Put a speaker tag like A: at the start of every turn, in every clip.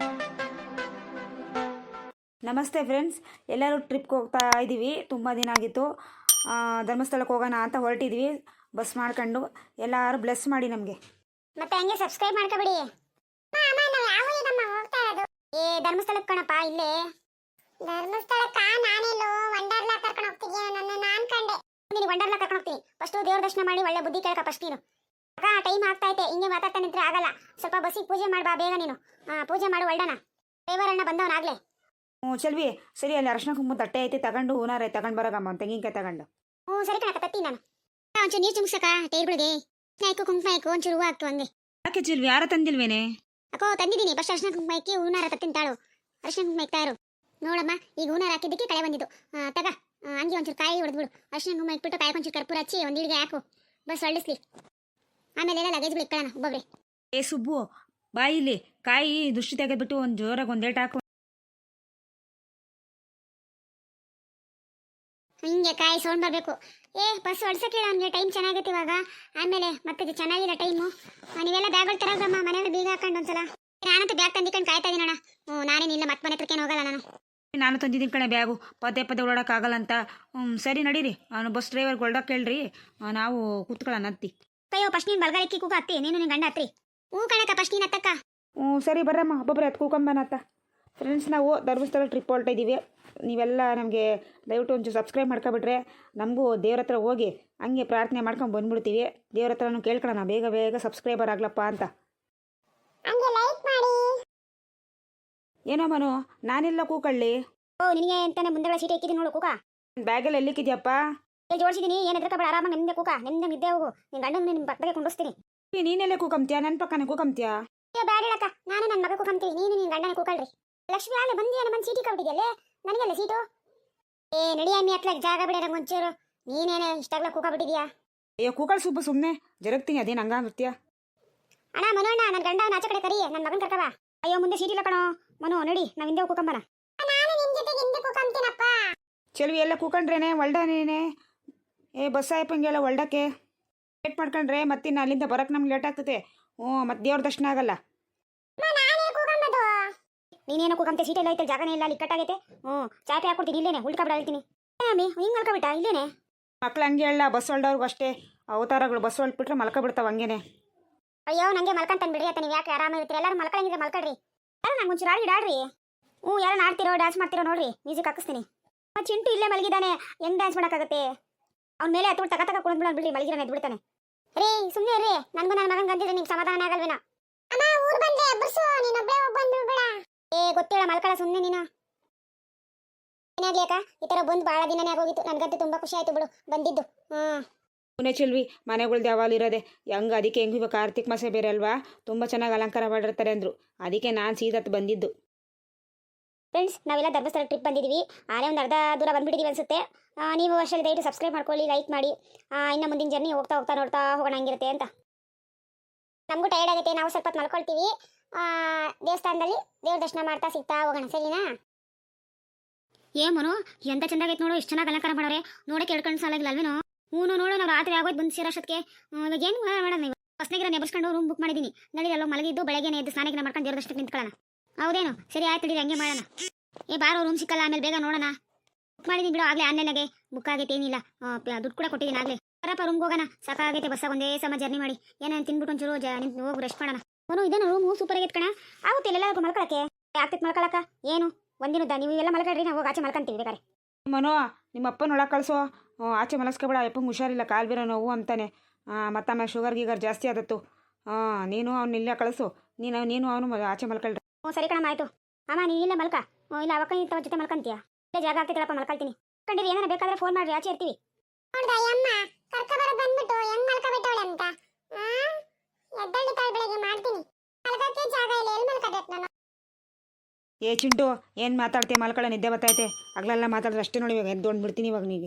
A: ನಮಸ್ತೆ ಫ್ರೆಂಡ್ಸ್, ಎಲ್ಲರೂ ಟ್ರಿಪ್ಗೆ ಹೋಗ್ತಾ ಇದ್ದೀವಿ. ತುಂಬ ದಿನ ಆಗಿತ್ತು. ಧರ್ಮಸ್ಥಳಕ್ಕೆ ಹೋಗೋಣ ಅಂತ ಹೊರಟಿದ್ವಿ ಬಸ್ ಮಾಡ್ಕೊಂಡು. ಎಲ್ಲರೂ ಬ್ಲೆಸ್ ಮಾಡಿ ನಮಗೆ.
B: ಮತ್ತೆ ಹಂಗೆ ಸಬ್ಸ್ಕ್ರೈಬ್ ಮಾಡ್ಕೊಬಿಡಿ. ಏ ಧರ್ಮಸ್ಥಳಕ್ಕೆ ಕಣಪ್ಪ, ಇಲ್ಲೇ ಧರ್ಮಸ್ಥಳಕ್ಕ. ನಾನೆಲ್ಲೋ ವಂಡರ್ಲಾ ಕರ್ಕೊಂಡು ಹೋಗ್ತಿದ್ಯಾ ನನ್ನ ನಾನ್ ಕಂಡೆ. ನೀನು ವಂಡರ್ಲಾ ಕರ್ಕೊಂಡು ಹೋಗ್ತೀನಿ. ಫಸ್ಟ್ ದೇವ್ರ ದರ್ಶನ ಮಾಡಿ ಒಳ್ಳೆ ಬುದ್ಧಿ ಕೇಳ್ಕ ಫಸ್ಟ್ ನೀನು. ಅಕ್ಕ ಟೈಮ್ ಆಗ್ತಾ ಐತೆ, ಹಿಂಗೆ ಮಾತಾಡ್ತಾ ನಿಂತ್ರೆ ಆಗಲ್ಲ. ಸ್ವಲ್ಪ ಬಸ್ಸಿಗೆ ಪೂಜೆ ಮಾಡ್ಬಾ ಬೇಗ ನೀನು. ಪೂಜೆ ಮಾಡು ಒಳ್ಳೆನ. ದೇವರಣ್ಣ ಬಂದವನಾಗ್ಲೇ.
A: ಚೆಲ್ವಿ ಸರಿ, ಅಲ್ಲಿ ಅರ್ಶನ ಕುಂಕುಮ ತಟ್ಟೆ ಐತೆ, ತಗೊಂಡು ಹೂನಾರ ತಗೊಂಡು ಬರೋಗಮ್ಮ, ತೆಂಗಿನಕಾಯಿ ತಗೊಂಡು.
B: ಸರಿ ಕಣಕ್ಕ, ತತ್ತಿ ನಾನು. ಒಂಚೂರು ನೀರು ಚುಮ್ಸಕ್ಕ ಟೈರ್ಗಳಿಗೆ. ಆಯ್ಕು ಕುಂಕುಮ ಆಯ್ಕು, ಒಂಚೂರು ಹೂವು ಹಾಕ್ತು ಹಂಗೆ.
A: ಯಾಕೆ ಚೆಲ್ವಿ, ಯಾರ ತಂದಿಲ್ವೇನೆ?
B: ಅಕ್ಕೋ ತಂದಿದ್ದೀನಿ. ಫಸ್ಟ್ ಅರ್ಶನ ಕುಂಕುಮ ಹಾಕಿ ಹೂನಾರ ತತ್ತಿನ ತಾಳು. ಅರ್ಶನ ಕುಂಕುಮ ಇಕ್ತಾ ಇರು. ನೋಡಮ್ಮ, ಈಗ ಹೂನಾರ ಹಾಕಿದ್ದಕ್ಕೆ ಕಳೆ ಬಂದಿದ್ದು. ತಗ ಹಂಗೆ ಒಂಚೂರು ಕಾಯಿ ಹೊಡೆದ್ಬಿಡು. ಅರ್ಶನ ಕುಂಕುಮ ಇಟ್ಬಿಟ್ಟು ಕಾಯಿ ಒಂಚೂರು ಕರ್ಪೂರ ಹಚ್ಚಿ ಒಂದು ಹಿಡಿಗೆ ಹಾಕು. ಬಸ್ ಹೊಳ್ಳಿಸ್ಲಿ. ಆಮೇಲೆ ಎಲ್ಲ ಲಗೇಜ್ಗಳು ಇಟ್ಕೊಳ್ಳೋಣ ಒಬ್ಬೊಬ್ರೆ.
A: ಏ ಸುಬ್ಬು, ಬಾಯಿಲಿ ಕಾಯಿ ದುಷ್ಟಿ ತೆಗೆದ್ಬಿಟ್ಟು ಒಂದು ಜೋರಾಗಿ ಒಂದೇಟ್ ಹಾಕು.
B: ಹಿಂಗೆ ಕಾಯಿ ಸೌಂಡ್ ಬರಬೇಕು. ಬಸ್ ಹೊಡ್ಸಕ್ಕೆ ಅವನಿಗೆ ಟೈಮ್ ಚೆನ್ನಾಗೈತೆ ಇವಾಗ. ಆಮೇಲೆ ಮತ್ತೆ ಚೆನ್ನಾಗಿಲ್ಲ ಟೈಮು. ನೀವೆಲ್ಲ ಬ್ಯಾಗ್ಗಳು ತರಗ್ರಮ್ಮ, ಮನೆಯಲ್ಲ ಬೀಗ ಹಾಕೊಂಡು ಒಂದ್ಸಲ. ನಾನಂತೂ ಬ್ಯಾಗ್ ತಂದಿಕೊಂಡು ಕಾಯ್ತಾ ಇದೀನಿ ಅಣ್ಣ. ನಾನೇನಿಲ್ಲ, ಮತ್ತೆ ಮನೆ ಹತ್ರಕ್ಕೇನು ಹೋಗಲ್ಲ
A: ನಾನು ತಂದಿದ್ದೀನಿ ಕಣೆ ಬ್ಯಾಗು. ಪದೇ ಪದೇ ಓಡಾಡೋಕ್ಕಾಗಲ್ಲ ಅಂತ. ಸರಿ ನಡೀರಿ, ಅವನು ಬಸ್ ಡ್ರೈವರ್ಗೆ ಹೊಲ್ಡಕ್ಕೆ ಹೇಳ್ರಿ, ನಾವು ಕೂತ್ಕೊಳ್ಳೋಣ ಹತ್ತಿ.
B: ಅಯ್ಯೋ ಫಸ್ಟ್ ನೀನು ಬಲ್ಗಾಲಿಕ್ಕಿ ಕೂಗ ಹತ್ತಿ, ನೀನು ನಿನ್ನ ಗಂಡ ಹತ್ರಿ. ಕಣಕ್ಕ ಫಸ್ಟ್ ನೀನು ಹತ್ತಕ್ಕ.
A: ಸರಿ ಬರ್ರಮ್ಮ, ಒಬ್ಬೊಬ್ಬರೇ ಹತ್ತು ಕೂಕೊಂಬನತ್ತ. ಫ್ರೆಂಡ್ಸ್, ನಾವು ಧರ್ಮಸ್ಥಳ ಟ್ರಿಪ್ ಹೊರಟ ಇದ್ದೀವಿ. ನೀವೆಲ್ಲ ನಮಗೆ ದಯವಿಟ್ಟು ಒಂಚೂರು ಸಬ್ಸ್ಕ್ರೈಬ್ ಮಾಡ್ಕೊಬಿಟ್ರೆ ನಮಗೂ ದೇವ್ರ ಹತ್ರ ಹೋಗಿ ಹಂಗೆ ಪ್ರಾರ್ಥನೆ ಮಾಡ್ಕೊಂಡು ಬಂದ್ಬಿಡ್ತೀವಿ. ದೇವ್ರ ಹತ್ರನೂ ಕೇಳ್ಕೊಳ್ಳೋಣ ಬೇಗ ಬೇಗ ಸಬ್ಸ್ಕ್ರೈಬರ್ ಆಗ್ಲಪ್ಪ ಅಂತ. ಏನೋ ಮನು, ನಾನೆಲ್ಲ ಕೂಕಳ್ಳಿ?
B: ನಿನಗೆ ಅಂತಾನೆ ಮುಂದೆ ಸೀಟ್ ಇಕ್ಕಿದ್ದೀನಿ ನೋಡು ಕೂಕ.
A: ಬ್ಯಾಗಲ್ಲಿ ಎಲ್ಲಿಕ್ಕಿದ್ಯಪ್ಪ?
B: ಇಲ್ಲಿ ಜೋಡಿಸಿದ್ದೀನಿ. ಏನು ಎದ್ರಕಬೇಡ, ಆರಾಮಾಗಿ ನಿಮ್ದೆ ಕೂಕ. ನಿಮ್ದೆ ನಿದ್ದೆ ಹೋಗು. ನಿನ್ನ ಗಂಡನ ನಿಮ್ಮ ಪಕ್ಕಕ್ಕೆ ಕುಂಡಿಸ್ತೀನಿ.
A: ನೀನೆಲ್ಲೇ ಕೂಕಂತೀಯ? ನನ್ನ ಪಕ್ಕನೇ ಕೂಕಂತೀಯ?
B: ಬ್ಯಾಡ ಹೇಳಕ್ಕ, ನಾನು ನನ್ನ ಮಗ ಕೂಕಂತೀವಿ. ನೀನು ನಿನ್ನ ಗಂಡನ ಕೂಕಳ್ರಿ. ಲಕ್ಷ್ಮಿ ಆಗಲೇ ಬಂದಿಯಾ? ನಮ್ಮ ಸೀಟಿ ಕಬಿಟ್ಟಿದ್ಯಲ್ಲೇ, ನನಗೆಲ್ಲ ಸೀಟು. ನಡಿ ಅಮ್ಮಿ ಹತ್ಲಾಗ ಜಾಗ ಬಿಡ ನಂಗೆ ಒಂಚೂರು. ನೀನೇನೆ ಇಷ್ಟಾಗ್ಲ ಕೂಕಬಿಟ್ಟಿದ್ಯಾ?
A: ಅಯ್ಯೋ ಕೂಕಳ್ ಸುಬ್ಬ, ಸುಮ್ಮನೆ ಜರಗ್ತೀನಿ, ಅದೇನು ಹಂಗಾಗಿರ್ತೀಯ?
B: ಅಣ್ಣ ಮನೋಣ್ಣ, ನನ್ನ ಗಂಡ ಆಚೆ ಕಡೆ ಕರಿ, ನನ್ನ ಮಗನ ಕರ್ಕವ. ಅಯ್ಯೋ ಮುಂದೆ ಸೀಟ್ ಇಲ್ಲ ಕಣೋ ಮನು, ನಡಿ ನಾವು ಹಿಂದೆ ಕೂಕಂಬನ. ನಾನು ನಿನ್ನ ಜೊತೆಗೆ ಹಿಂದೆ ಕೂಕಂತೀನಪ್ಪ.
A: ಚೆಲ್ವಿ ಎಲ್ಲ ಕೂಕೊಂಡ್ರೇನೆ ಒಳ್ಡನೇನೆ. ಬಸ್ ಆಯ್ಪಂಗೆಲ್ಲ ಒಳ್ಡಕ್ಕೆ ಲೇಟ್ ಮಾಡ್ಕೊಂಡ್ರೆ ಮತ್ತಿನ್ನು ಅಲ್ಲಿಂದ ಬರೋಕ್ಕೆ ನಮ್ಗೆ ಲೇಟ್ ಆಗ್ತದೆ. ಮತ್ತೆ ದೇವ್ರ ದರ್ಶನ ಆಗಲ್ಲ.
B: ನೀನೇನೋ ಕೂಕಂತೆ, ಸೀಟ್ ಎಲ್ಲ ಐತೆ, ಜಾಗನೇ ಇಲ್ಲ, ಅಲ್ಲಿ ಕಟ್ಟಾಗೈತೆ. ಚಾಪೆ ಹಾಕೊಡ್ತೀನಿ, ಇಲ್ಲೇನೆ ಉಳ್ಕೊಬಿಡ ಹೇಳ್ತೀನಿ. ಅಮ್ಮಿ ಹಿಂಗೆ ಮಲ್ಕೊಬಿಟ್ಟ ಇಲ್ಲೇನೆ.
A: ಮಕ್ಳು ಹಂಗೆ ಹೇಳ, ಬಸ್ ಹೊಲ್ದವ್ರಿಗೂ ಅಷ್ಟೇ ಅವತಾರಗಳು. ಬಸ್ ಹೊಲ್ಬಿಟ್ರೆ ಮಲ್ಕೊಬಿಡ್ತಾವ ಹಂಗೇನೆ.
B: ಅಯ್ಯೋ ನಂಗೆ ಮಲ್ಕಂತಾನೆ ಬಿಡಿ. ನೀವು ಯಾಕೆ ಆರಾಮಾಗಿರ್ತೀರಿ? ಎಲ್ಲರೂ ಮಲ್ಕೊಳ್ಳಂಗಿದ್ರೆ ಮಲ್ಕೊಳ್ರಿ. ಯಾರು ನಂಗೆ ಒಂಚೂರು ಆಡ್ರಿ. ಯಾರು ಆಡ್ತಿರೋ ಡ್ಯಾನ್ಸ್ ಮಾಡ್ತಿರೋ ನೋಡ್ರಿ, ಮ್ಯೂಸಿಕ್ ಹಾಕಿಸ್ತೀನಿ. ಚಿಂಟು ಇಲ್ಲೇ ಮಲಗಿದ್ದಾನೆ, ಹೆಂಗ್ ಡ್ಯಾನ್ಸ್ ಮಾಡೋಕ್ಕಾಗತ್ತೆ? ಅವ್ನ ಮೇಲೆ ಹತ್ತು ತಕ ಕುಳಿದ್ಬಿಡ ಬಿಡಿ, ಮಲಗಿರೋಣ ಎದ್ಬಿಡ್ತಾನೆ. ರೀ ಸುಮ್ಮನೆ ರೀ, ನನಗೂ ನನ್ನ ಮಗನ ಗಂದಿದ್ರೆ ನಿಮ್ಗೆ ಸಮಾಧಾನ ಆಗಲ್ವೇನೋ? ಗೊತ್ತಿಲ್ಲ ಮಲ್ಕಳ ಸುಮ್ಮನೆ ನೀನು. ಏನಾಗ್ಲಿ ಅಕ್ಕ, ಈ ಥರ ಬಂದು ಭಾಳ ದಿನನೇ ಆಗೋಗಿತ್ತು. ನನಗಂತೂ ತುಂಬ ಖುಷಿ ಆಯ್ತು ಬಿಡು ಬಂದಿದ್ದು.
A: ಪುಣೆ ಚೆಲ್ವಿ, ಮನೆಗಳ್ದು ಯಾವಾಗಲೂ ಇರೋದೆ ಹೆಂಗೆ. ಅದಕ್ಕೆ ಹೆಂಗೆ ಇವಾಗ ಕಾರ್ತಿಕ್ ಮಾಸ ಬೇರೆ ಅಲ್ವಾ, ತುಂಬ ಚೆನ್ನಾಗಿ ಅಲಂಕಾರ ಮಾಡಿರ್ತಾರೆ ಅಂದರು. ಅದಕ್ಕೆ ನಾನು ಸೀದತ್ತು ಬಂದಿದ್ದು.
B: ಫ್ರೆಂಡ್ಸ್, ನಾವೆಲ್ಲ ಧರ್ಮಸ್ಥಳ ಟ್ರಿಪ್ ಬಂದಿದ್ದೀವಿ. ಆನೇ ಒಂದು ಅರ್ಧ ದೂರ ಬಂದ್ಬಿಟ್ಟಿದ್ದೀವಿ ಅನ್ಸುತ್ತೆ. ನೀವು ಅಷ್ಟರಲ್ಲಿ ದಯವಿಟ್ಟು ಸಬ್ಸ್ಕ್ರೈಬ್ ಮಾಡ್ಕೊಳ್ಳಿ, ಲೈಕ್ ಮಾಡಿ. ಇನ್ನು ಮುಂದಿನ ಜರ್ನಿ ಹೋಗ್ತಾ ಹೋಗ್ತಾ ನೋಡ್ತಾ ಹೋಗೋಣ ಹಂಗಿರುತ್ತೆ ಅಂತ. ನಮಗೂ ಟೈರ್ಡ್ ಆಗುತ್ತೆ, ನಾವು ಸ್ವಲ್ಪ ಹೊತ್ತು ಮಲ್ಕೊಳ್ತೀವಿ. ದೇವಸ್ಥಾನದಲ್ಲಿ ದೇವ್ರ ದರ್ಶನ ಮಾಡ್ತಾ ಸಿಗ್ತಾ ಹೋಗೋಣ, ಸರಿನಾ? ಮನು ಎಂತ ಚೆಂದಾಗೈತೆ ನೋಡು, ಎಷ್ಟು ಚೆನ್ನಾಗಿ ಅಲಂಕಾರ ಮಾಡೋರೆ. ನೋಡಕ್ಕೆ ಎರಡು ಕಣ್ಣು ಸಾಲಾಗಿಲ್ಲ ಅಲ್ವೇನೋ? ನೋಡು ನಾವು ರಾತ್ರಿ ಆಗೋಯ್ತು ಬಂದು ಸೇರೋಷ್ಟಕ್ಕೆ. ಇವಾಗ ಏನು ಮಾಡೋಣ? ನೀವು ಹೊಸನಗಿರ ನೆಬರ್ಸ್ಕೊಂಡು ರೂಮ್ ಬುಕ್ ಮಾಡಿದ್ದೀನಿ. ನಡೀರಲ್ಲ ಮಲಗಿದ್ದು ಬೆಳಗ್ಗೆ ಎದ್ದು ಸ್ನಾನಗಿನ ಮಾಡ್ಕೊಂಡು ದೇವ್ರ ದರ್ಶನಕ್ಕೆ ನಿಂತ್ಕೊಳ್ಳೋಣ. ಹೌದೇನು? ಸರಿ ಆಯ್ತು ನಡೀರಿ, ಹಂಗೆ ಮಾಡೋಣ. ಬಾರೋ ರೂಮ್ ಸಿಕ್ಕಲ್ಲ, ಆಮೇಲೆ ಬೇಗ ನೋಡೋಣ. ಬುಕ್ ಮಾಡಿದ್ದೀನಿ ಬಿಡು, ಆಗಲೇ ಆನ್ಲೈನಾಗೆ ಬುಕ್ ಆಗೈತೆ, ಏನಿಲ್ಲ. ದುಡ್ಡು ಕೂಡ ಕೊಟ್ಟಿದ್ದೀನಿ ಆಗಲೇ. ಬರಪ್ಪ ರೂಮ್ಗೆ ಹೋಗೋಣ, ಸಾಕಾಗೈತೆ ಬಸ್ಸಾಗ ಒಂದೇ ಸಮ ಜರ್ನಿ ಮಾಡಿ. ಏನೇನು ತಿನ್ಬಿಟ್ಟು ಒಂಚೂರು ನಿಂತು ಹೋಗಿ ರೆಸ್ಟ್ ಮಾಡೋಣ. ಇದೇನು ರೂಮು ಸೂಪರ್ ಆಗೈತೆ ಕಣ. ಆಗುತ್ತೆ ಎಲ್ಲರಿಗೂ ಮಲ್ಕೊಳಕ್ಕೆ. ಆಗ್ತೈತೆ ಮಲ್ಕೊಳಕ ಏನು ಒಂದಿನದ? ನೀವು ಎಲ್ಲ ಮಲ್ಕೊಳ್ರಿ, ನಾವು ಹೋಗಿ ಆಚೆ ಮಲ್ಕೊಂತೀವಿ ಬೇಕಾರೆ.
A: ಮನೋ, ನಿಮ್ಮ ಅಪ್ಪನ ಒಳಗೆ ಕಳಿಸೋ. ಆಚೆ ಮಲಸ್ಕೊಬೇಡ, ಅಪ್ಪಂಗೆ ಹುಷಾರಿಲ್ಲ, ಕಾಲು ಬೇರೆ ನೋವು ಅಂತಾನೆ. ಮತ್ತಮ್ಮ ಶುಗರ್ ಗೀಗರ್ ಜಾಸ್ತಿ ಆದತ್ತು. ನೀನು ಅವ್ನು ಇಲ್ಲೇ ಕಳಿಸು. ನೀನು ಅವನು ಆಚೆ ಮಲ್ಕೊಳ್ರಿ.
B: ಸರಿ ಕಣಮ್ಮ, ಆಯಿತು. ಅಮ್ಮ ನೀನು ಇಲ್ಲೇ ಮಲ್ಕ. ಇಲ್ಲ ಅವಕ್ಕ ಇಂಥ ಜೊತೆ ಮಲ್ಕೊಂತೀಯ? ಇಲ್ಲೇ ಜಾಗ ಆಗ್ತೈತಲ್ಲಪ್ಪ, ಮಲ್ಕೊಳ್ತೀನಿ. ಕಂಡಿರಿ, ಏನಾರ ಬೇಕಾದ್ರೆ ಫೋನ್ ಮಾಡ್ರಿ, ಆಚೆ ಇರ್ತೀವಿ.
A: ಚಿಂಟು, ಏನು ಮಾತಾಡ್ತೀಯ? ಮಲ್ಕೊಳ್ಳೋ ನಿದ್ದೆ ಬರ್ತೈತೆ. ಆಗ್ಲೆಲ್ಲ ಮಾತಾಡಿದ್ರೆ ಅಷ್ಟೇ ನೋಡಿ. ಇವಾಗ ಎದ್ದೊಂಡು ಬಿಡ್ತೀನಿ ಇವಾಗ ನೀಗೆ.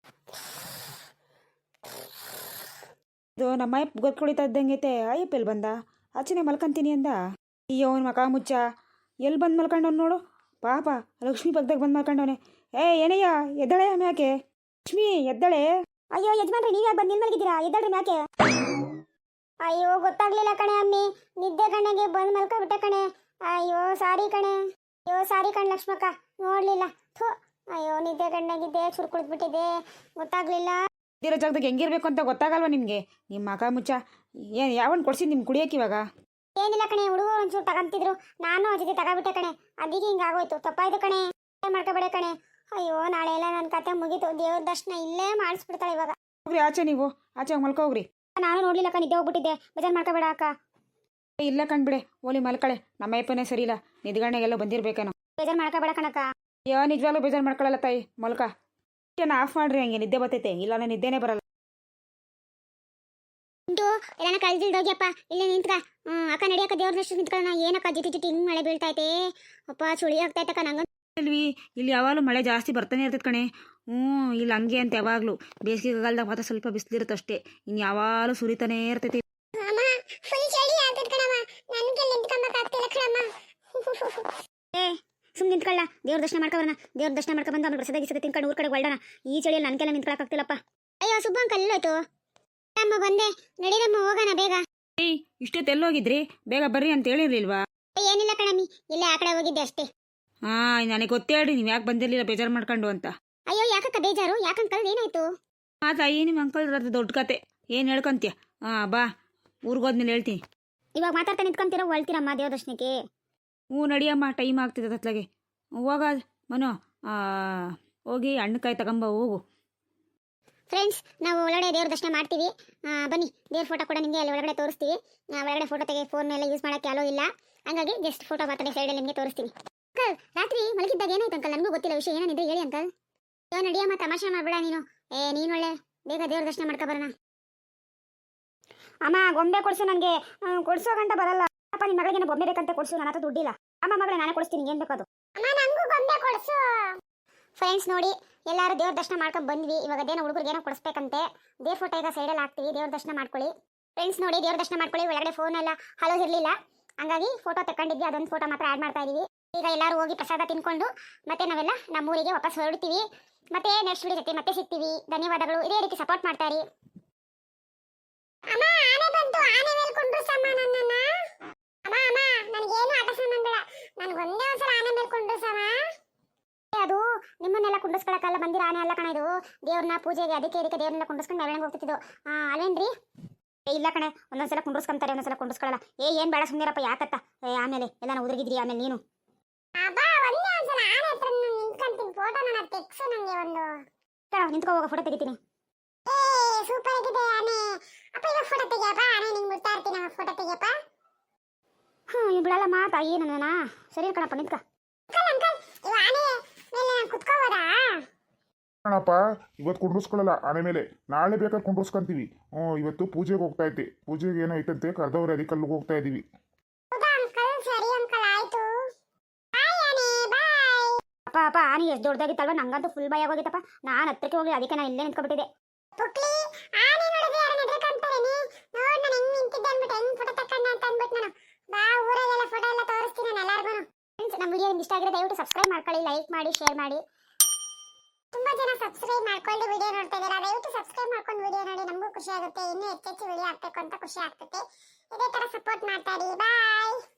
A: ಇದು ನಮ್ಮ ಅಯ್ಯಪ್ಪ ಗೊತ್ಕೊಳಿತಾ ಇದ್ದಂಗೈತೆ. ಅಯ್ಯಪ್ಪ ಎಲ್ಲಿ ಬಂದ? ಆಚೆನೆ ಮಲ್ಕೊಂತೀನಿ ಅಂದ. ಅಯ್ಯೋ ಅವ್ನ ಮಕ ಮುಚ್ಚ, ಎಲ್ಲಿ ಬಂದು ಮಲ್ಕೊಂಡವ್ನು ನೋಡು ಪಾಪ. ಲಕ್ಷ್ಮಿ ಪಕ್ಕದಾಗ ಬಂದು ಮಲ್ಕೊಂಡವನೆ. ಏನಯ್ಯ ಎದ್ದಳೆ ಮ್ಯಾಕೆ? ಲಕ್ಷ್ಮಿ ಎದ್ದಳೆ.
B: ಅಯ್ಯೋ ಯಜಮಾನ್ರಿ, ನೀವು ಯಾಕೆ ಬಂದು ನಿಲ್ಮಲ್ಗಿದ್ದೀರಾ? ಎದ್ದಳ್ರಿ ಮ್ಯಾಕೆ. ಅಯ್ಯೋ ಗೊತ್ತಾಗ್ಲಿಲ್ಲ ಕಣೆ ಅಮ್ಮಿ, ನಿದ್ದೆ ಕಣ್ಣಗೆ ಬಂದು ಮಲ್ಕೊಬಿಟ್ಟೆ ಕಣೆ. ಅಯ್ಯೋ ಸಾರಿ ಕಣೆ. ಅಯ್ಯೋ ಸಾರಿ ಕಣ್ ಲಕ್ಷ್ಮಕ್ಕ, ನೋಡ್ಲಿಲ್ಲ. ಥು, ಅಯ್ಯೋ ನಿದ್ದೆ ಕಣ್ಣಾಗಿದ್ದೆ, ಚುರು ಕುಳಿದ್ಬಿಟ್ಟಿದೆ, ಗೊತ್ತಾಗ್ಲಿಲ್ಲ.
A: ಇರೋ ಜಾಗದಾಗ ಹೆಂಗಿರ್ಬೇಕು ಅಂತ ಗೊತ್ತಾಗಲ್ವಾ ನಿಮಗೆ? ನಿಮ್ಮ ಮಕ ಮುಚ್ಚ. ಏನು ಯಾವನ್ ಕೊಡ್ಸಿದ್ದು ನಿಮ್ಗೆ ಕುಡಿಯೋಕೆ ಇವಾಗ?
B: ಏನಿಲ್ಲ ಕಣೆ, ಹುಡುಗರು ಒಂಚೂರು ತಗೊಂತಿದ್ರು, ನಾನು ಅವ್ರ ಜೊತೆ ತಗೋಬಿಟ್ಟೆ ಕಣೆ, ಅದಕ್ಕೆ ಹಿಂಗಾಗೋಯ್ತು. ತಪ್ಪಾಯ್ತು ಕಣೆ, ಮಾಡ್ಕೋಬೇಡ ಕಣೆ. ಅಯ್ಯೋ ನಾಳೆ ಎಲ್ಲ ನನ್ನ ಕತೆ ಮುಗೀತು. ದೇವ್ರ ದರ್ಶನ ಇಲ್ಲೇ ಮಾಡಿಸ್ಬಿಡ್ತಾಳೆ ಇವಾಗ.
A: ಹೋಗ್ರಿ ಆಚೆ, ನೀವು ಆಚೆ ಹೋಗಿ ಮಲ್ಕೋಗ್ರಿ.
B: ನಾನು ನೋಡ್ಲಿಲ್ಲ ಅಕ್ಕ, ನಿದ್ದೆ ಹೋಗ್ಬಿಟ್ಟಿದ್ದೆ. ಬೇಜಾರು ಮಾಡ್ಕೋಬೇಡ ಅಕ್ಕ.
A: ಇಲ್ಲ ಕಣ್ಬಿಡೆ, ಓಲಿ ಮಲ್ಕಳೆ. ನಮ್ಮ ಅಪ್ಪನೇ ಸರಿ ಇಲ್ಲ, ನಿದ್ಗಣ್ಣೆಗೆಲ್ಲ ಬಂದಿರ್ಬೇಕೇನೋ.
B: ಬೇಜಾರು ಮಾಡ್ಕೋಬೇಡ ಕಣಕ್ಕ.
A: ಅಯ್ಯೋ ನಿಜವಾಗ್ಲೂ ಬೇಜಾರು ಮಾಡ್ಕೊಳ್ಳಲ್ಲ ತಾಯಿ, ಮಲ್ಕ. ಆಫ್ ಮಾಡ್ರಿ, ಹಂಗೆ ನಿದ್ದೆ ಬರ್ತೈತೆ, ಇಲ್ಲ ನಾನು ನಿದ್ದೆನೇ ಬರಲ್ಲ.
B: ಉಂಟು ಎಲ್ಲಾನ ಕಳ್ದಿಲ್ದೋಗ್ಯಪ್ಪ, ಇಲ್ಲೇ ನಿಂತ್ಕ. ಅಕ್ಕ ನಡಿಯಕ್ಕ, ದೇವ್ರ ದರ್ಶನ ನಿಂತ್ಕೊಳ್ಳೋಣ. ಏನಕ್ಕ ಜಿಟಿ ಜಿಟಿ ಹಿಂಗ್ ಮಳೆ ಬೀಳ್ತೈತೆ, ಅಪ್ಪ ಚುಳಿ ಆಗ್ತೈತಕ್ಕ ನಂಗ.
A: ಇಲ್ಲಿ ಯಾವಾಗಲೂ ಮಳೆ ಜಾಸ್ತಿ ಬರ್ತಾನೆ ಇರ್ತೈತೆ ಕಣೆ. ಇಲ್ಲಿ ಹಂಗೆ ಅಂತ ಯಾವಾಗಲೂ ಬೇಸಿಗೆಗಾಲದಾಗ ಮಾತ್ರ ಸ್ವಲ್ಪ ಬಿಸಿಲಿರುತ್ತೆ ಅಷ್ಟೇ, ಇನ್ನು ಯಾವಾಗಲೂ ಸುರಿತಾನೇ ಇರ್ತೈತಿ.
B: ಏ ಸುಮ್ಮನೆ ನಿಂತ್ಕೊಳ್ಳ, ದೇವ್ರ ದರ್ಶನ ಮಾಡ್ಕೊಬರೋಣ. ದೇವ್ರ ದರ್ಶನ ಮಾಡ್ಕೊಂಡ್ಬಂದು ಆಮೇಲೆ ಪ್ರಸಾದ ಗಿಸದ ತಿನ್ಕೊಂಡು ಊರ್ ಕಡೆ ಹೊರಡೋಣ. ಈ ಚಳಿಯಲ್ಲಿ ನನ್ಕೆಲ್ಲ ನಿಂತ್ಕೊಳಕ್ಕಾಗ್ತಿಲ್ಲಪ್ಪ. ಅಯ್ಯೋ ಸುಬ್ಬ ಅಂಕಲ್ ಎಲ್ಲೋಯ್ತು? ಅಮ್ಮ ಬಂದೆ, ನಡೀರಮ್ಮ ಹೋಗೋಣ ಬೇಗ.
A: ಏಯ್ ಇಷ್ಟೊತ್ತು ಎಲ್ಲೋಗಿದ್ರಿ? ಬೇಗ ಬರ್ರಿ ಅಂತ ಹೇಳಿರ್ಲಿಲ್ವಾ?
B: ಏನಿಲ್ಲ ಕಣಮ್ಮಿ, ಇಲ್ಲೇ ಆ ಕಡೆ ಹೋಗಿದ್ದೆ ಅಷ್ಟೇ.
A: ನನಗೆ ಗೊತ್ತೇ ಹೇಳಿ, ನೀವು ಯಾಕೆ ಬಂದಿರಲಿಲ್ಲ ಬೇಜಾರು ಮಾಡ್ಕೊಂಡು ಅಂತ.
B: ಅಯ್ಯೋ ಯಾಕಕ್ಕ ಬೇಜಾರು? ಯಾಕಂಕಲ್ ಏನಾಯ್ತು?
A: ತಾಯಿ ನಿಮ್ಮ ಅಂಕಲ್ ದೊಡ್ಡ ಕತೆ ಏನು ಹೇಳ್ಕೊಂತೀಯ? ಬಾ, ಊರಿಗೋದ್ಮೇಲೆ ಹೇಳ್ತೀನಿ.
B: ಇವಾಗ ಮಾತಾಡ್ತಾ ನಿಂತ್ಕೊಂತೀರೋ ಹೊಳ್ತೀರಮ್ಮ ದೇವ್ರ ದರ್ಶನಕ್ಕೆ?
A: ನಡಿಯಮ್ಮ, ಟೈಮ್ ಆಗ್ತಿದೆ ಅತ್ಲಾಗೆ. ಹೋಗ ಮನೋ, ಹೋಗಿ ಹಣ್ಣುಕಾಯಿ ತಗೊಂಬ ಹೋಗು.
B: ಫ್ರೆಂಡ್ಸ್, ನಾವು ಒಳಗಡೆ ದೇವ್ರ ದರ್ಶನ ಮಾಡ್ತೀವಿ. ಬನ್ನಿ, ದೇವ್ರ ಫೋಟೋ ಕೂಡ ನಿಮಗೆ ಅಲ್ಲಿ ಒಳಗಡೆ ತೋರಿಸ್ತೀವಿ. ಒಳಗಡೆ ಫೋಟೋ ತೆಗೆ ಫೋನ್ ಎಲ್ಲ ಯೂಸ್ ಮಾಡೋಕ್ಕೆ ಅಲೋ ಇಲ್ಲ, ಹಂಗಾಗಿ ಜಸ್ಟ್ ಫೋಟೋ ಮಾತ್ರ ಸೈಡಲ್ಲಿ ನಿಮಗೆ ತೋರಿಸ್ತೀನಿ. ಅಂಕಲ್ ರಾತ್ರಿ ಮಲಗಿದ್ದಾಗ ಏನಾಯ್ತು ಅಂಕಲ್? ನನಗೂ ಗೊತ್ತಿಲ್ಲ ವಿಷಯ, ಏನಿದೆ ಹೇಳಿ ಅಂಕಲ್. ಯೋ ನಡಿಯಮ್ಮ, ತಮಾಷೆ ಮಾಡಬೇಡ ನೀನು. ನೀನು ಒಳ್ಳೆ ಬೇಗ ದೇವ್ರ ದರ್ಶನ ಮಾಡ್ಕೊಬರೋಣ. ಅಮ್ಮ ಗೊಂಬೆ ಕೊಡ್ಸು, ನನಗೆ ಕೊಡ್ಸೋ ಗಂಟ ಬರಲ್ಲ. ಅಪ್ಪ ನಿಮ್ಮ ಮಗಳಿಗೆ ಬೊಂಬೆ ಬೇಕಂತ ಕೊಡ್ಸು, ನನ್ನ ಹತ್ರ ದುಡ್ಡಿಲ್ಲ. ಅಮ್ಮ ಮಗಳೇ ನಾನೇ ಕೊಡಿಸ್ತೀನಿ, ಏನು ಬೇಕದು. ಅಮ್ಮ ನನಗೂ ಗೊಂಬೆ ಕೊಡ್ಸು. ಫ್ರೆಂಡ್ಸ್ ನೋಡಿ, ಎಲ್ಲರೂ ದೇವ್ರ ದರ್ಶನ ಮಾಡ್ಕೊಂಡು ಬಂದ್ವಿ. ಇವಾಗ ಅದೇನೋ ಹುಡುಗರಿಗೆ ಏನೋ ಕೊಡಿಸ್ಬೇಕಂತೆ. ದೇವ್ರ ಫೋಟೋ ಈಗ ಸೈಡಲ್ಲಿ ಹಾಕ್ತೀವಿ, ದೇವ್ರ ದರ್ಶನ ಮಾಡ್ಕೊಳ್ಳಿ. ಫ್ರೆಂಡ್ಸ್ ನೋಡಿ, ದೇವ್ರ ದರ್ಶನ ಮಾಡ್ಕೊಳ್ಳಿ. ಒಳಗಡೆ ಫೋನ್ ಎಲ್ಲ ಹಲೋ ಇರಲಿಲ್ಲ, ಹಂಗಾಗಿ ಫೋಟೋ ತಗೊಂಡಿದ್ವಿ, ಅದೊಂದು ಫೋಟೋ ಮಾತ್ರ ಆ್ಯಡ್ ಮಾಡ್ತಾ ಇದೀವಿ. ಈಗ ಎಲ್ಲರೂ ಹೋಗಿ ಪ್ರಸಾದ ತಿನ್ಕೊಂಡು ಮತ್ತೆ ನಾವೆಲ್ಲ ನಮ್ಮೂರಿಗೆ ವಾಪಸ್ ಹೊರಡ್ತೀವಿ. ಮತ್ತೆ ನೆಕ್ಸ್ಟ್ ವಿಡಿಯೋ ಜೊತೆ ಮತ್ತೆ ಸಿಗ್ತೀವಿ. ಧನ್ಯವಾದಗಳು, ಇದೇ ರೀತಿ ಸಪೋರ್ಟ್ ಮಾಡ್ತಾ ಇರಿ. ಅಮ್ಮ ಆನೆ ಬಂತು, ಆನೆ ಮೇಲೆ ಕುಂಡ್ರಸಮ್ಮ ನನ್ನನ್ನ. ಅಮ್ಮ ಅಮ್ಮ ನನಗೇನು ಆಟ ಸಾಮಾನು ಬೇಡ, ನನಗೊಂದೇ ಒಂದ್ಸಲ ಆನೆ ಮೇಲೆ ಕುಂಡ್ರಸಮ್ಮ. ಅದು ನಿಮ್ಮನ್ನೆಲ್ಲ ಕುಂಡಿಸ್ಕೊಳಕ್ಕೆಲ್ಲ ಬಂದಿರೋ ಆನೆ ಅಲ್ಲ ಕಣ, ಇದು ದೇವ್ರನ್ನ ಪೂಜೆಗೆ ಅದಕ್ಕೆ ದೇವ್ರನ್ನೆಲ್ಲ ಕುಂಡಿಸ್ಕೊಂಡು ಮೆರವಣಿಗೆ ಹೋಗ್ತಿದ್ದು. ಅಲ್ವೇನ್ರಿ? ಇಲ್ಲ ಕಣೆ, ಒಂದೊಂದ್ಸಲ ಕುಂಡ್ರಸ್ಕೊಂತಾರೆ, ಒಂದೊಂದ್ಸಲ ಕುಂಡ್ರಸ್ಕೊಳ್ಳಲ್ಲ. ಏನ್ ಬೇಡ ಸುಮ್ಮನಿರಪ್ಪ, ಯಾಕತ್ತ ಆಮೇಲೆ ಎಲ್ಲ ಉದುರಿಗಿದ್ರಿ ಆಮೇಲೆ ನೀನು. ನಿಂತ್ಕೋ ಹೋಗ, ಫೋಟೋ ತೆಗಿತೀನಿ. ಸೂಪರ್ ಆಗಿದೆ ಆನೆ. ಅಪ್ಪ ಇವಾಗ ಫೋಟೋ ತೆಗಿಯಪ್ಪ, ಆನೆ ನಿಂಗೆ ಮುಟ್ತಾ ಇರ್ತೀನಿ, ಫೋಟೋ ತೆಗಿಯಪ್ಪ. ಇವ್ ಬಿಡಲ್ಲಮ್ಮ ತಾಯಿ ನನ್ನ. ಸರಿ ಕಣಪ್ಪ, ನಿಂತ್ಕ.
C: ಕಣಪ್ಪ, ಇವತ್ತು ಕುಂಡ್ರಸ್ಕೊಳ್ಳಲ್ಲ ಆನೆ ಮೇಲೆ, ನಾಳೆ ಬೇಕಾದ್ರೆ ಕುಂಡ್ರಸ್ಕೊಂತೀವಿ. ಇವತ್ತು ಪೂಜೆಗೆ ಹೋಗ್ತಾ ಇದ್ದೆ, ಪೂಜೆಗೆ ಏನೋ ಐತಂತೆ, ಕರೆದವ್ರೆ, ಅದಕ್ಕೆ ಅಲ್ಲಿಗೆ ಹೋಗ್ತಾ ಇದೀವಿ.
B: ಅಪ್ಪ ಅಪ್ಪ ಆನೆ ಎಷ್ಟು ದೊಡ್ಡದಾಗಿತ್ತಲ್ವ, ನಂಗಂತೂ ಫುಲ್ ಭಯ ಆಗೋಗಿತ್ತಪ್ಪ. ನಾನು ಹತ್ರಕ್ಕೆ ಹೋಗಿ ಅದಕ್ಕೆ ನಾನು ಇಲ್ಲೇ ನಿಂತ್ಕೊಬಿಟ್ಟಿದ್ದೆ. ನಮ್ಮ ವಿಡಿಯೋ ಇಷ್ಟ ಆಗಿದ್ರೆ ದಯವಿಟ್ಟು ಸಬ್ಸ್ಕ್ರೈಬ್ ಮಾಡ್ಕೊಳ್ಳಿ, ಲೈಕ್ ಮಾಡಿ, ಶೇರ್ ಮಾಡಿ. ತುಂಬಾ ಜನ ಸಬ್ಸ್ಕ್ರೈಬ್ ಮಾಡ್ಕೊಂಡು ವಿಡಿಯೋ ನೋಡ್ತಾ ಇದ್ದೀರಾ, ದಯವಿಟ್ಟು ಸಬ್ಸ್ಕ್ರೈಬ್ ಮಾಡ್ಕೊಂಡು ವಿಡಿಯೋ ನೋಡಿ, ನಮಗೂ ಖುಷಿ ಆಗುತ್ತೆ. ಇನ್ನೂ ಹೆಚ್ಚೆಚ್ಚು ವಿಡಿಯೋ ಹಾಕ್ಬೇಕು ಅಂತ ಖುಷಿ ಆಗ್ತದೆ. ಇದೇ ತರ ಸಪೋರ್ಟ್ ಮಾಡ್ತಾ ಇರಿ. ಬಾಯ್.